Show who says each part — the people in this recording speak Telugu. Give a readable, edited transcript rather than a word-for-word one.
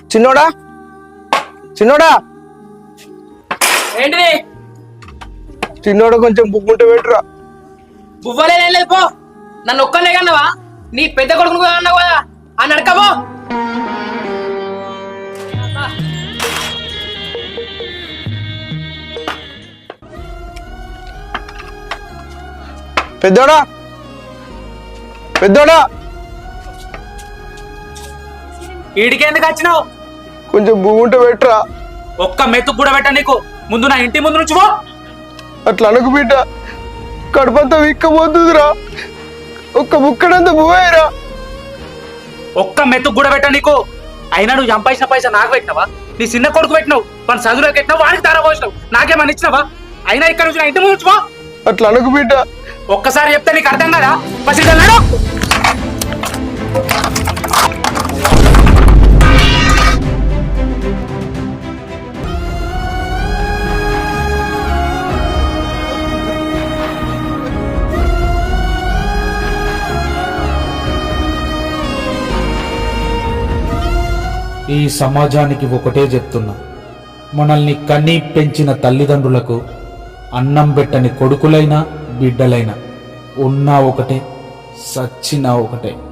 Speaker 1: చిన్నోడా చిన్నోడా
Speaker 2: ఏంటిది?
Speaker 1: చిన్నోడా కొంచెం బుక్కుంటే పెట్టురా.
Speaker 2: బువ్వలేదేం లేదు పో. నన్ను ఒక్కనే కన్నావా? నీ పెద్ద కొడుకును కూడా అన్నావు కదా అని అడకబో.
Speaker 1: పెద్దోడా పెద్దోడా
Speaker 2: ఈడికి ఎందుకు వచ్చినావు?
Speaker 1: కొంచెం బుక్కుంటే పెట్టురా.
Speaker 2: ఒక్క మెతుకు కూడా పెట్ట నీకు. ముందు నా ఇంటి ముందు నుంచి పో.
Speaker 1: అట్లా అనకు బిడ్డ, కడుపంతా విక్కపోతుందిరా. ఒక్క బుక్కడంతా పోయారా.
Speaker 2: ఒక్క మెతుకు కూడా పెట్ట నీకు. అయినా నువ్వు చంపాల్సిన పైసా నాకు పెట్టినావా? నీ చిన్న కొడుకు పెట్టినావు, మన చదువులోకి పెట్టినావు, వాడికి తారా పోసినావు, నాకేమని ఇచ్చినావా? అయినా ఇక్కడ నుంచి నా ఇంటి ముందు నుంచి పో.
Speaker 1: అట్లా అనకు బిడ్డ.
Speaker 2: ఒక్కసారి చెప్తే నీకు అర్థం కదా? పసిడన్నాడు.
Speaker 3: ఈ సమాజానికి ఒకటే చెప్తున్నా, మనల్ని కన్నీ పెంచిన తల్లిదండ్రులకు అన్నం పెట్టని కొడుకులైనా బిడ్డలైనా ఉన్నా ఒకటే, సచ్చినా ఒకటే.